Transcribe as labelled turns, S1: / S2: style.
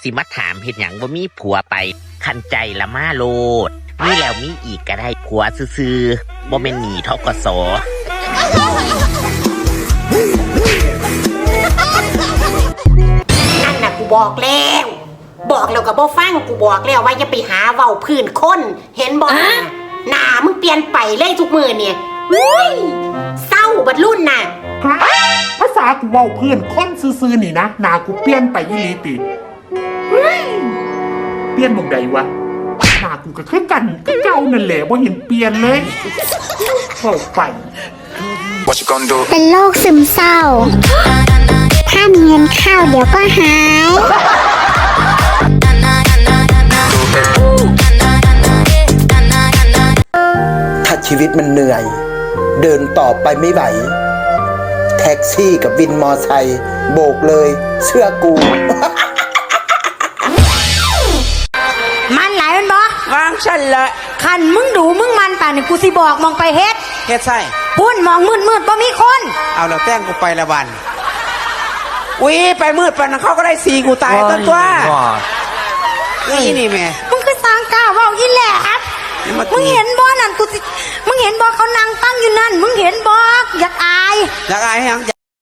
S1: สิมาถามเห็นอย่างว่ามีผัวไปคันใจละมาโลดมีแล้วมีอีกก็ได้ผัวซื่อๆบ่แม่นหนีทกส
S2: นั่นน่ะกูบอกแล้วก็บ่ฟังกูบอกแล้วว่าอย่าไปหาเว้าพื้นคนเห็นบ่หน้ามึงเปลี่ยนไปเลยทุกมื้อเนี่ยเศร้าบัดรุ่นน่ะ
S3: ภาษากูเว้าเพื่อนคนซื่อๆนี่นะหน้ากูเปลี่ยนไปอีหลีติเปลี่ยนหม่องใดวะหน้ากูก็คือกันก็เก่านั่นแหละบ่เห็นเปลี่ยนเลยเข้าไป
S4: เป็นโรคซึมเศร้าถ้ามีเงินเข้าเดี๋ยวก็หาย
S5: ถ้าชีวิตมันเหนื่อยเดินต่อไปไม่ไหวแท็กซี่กับวินมอไซค์โบกเลยเชื่อกู
S6: มันหลายมันบอก
S7: วางฉันละ
S6: คันมึงดูมึงมันป่านนี่กูสิบอกมองไปเฮ็ด
S7: ใช่
S6: พุ่นมองมืดบ่มีคน
S7: เอาแล้วแต้งกูไปละวันไปมืดปานเขาก็ได้สีกูตายต้นตัวนี่แม่
S6: มึงคือสร้างก้าวว่าอีแหลบมึงเห็นบ่นั่นมึงเห็นบ่เขานั่งตั้งอยู่นั่นมึงเห็นบ่อยากอาย
S7: ยัง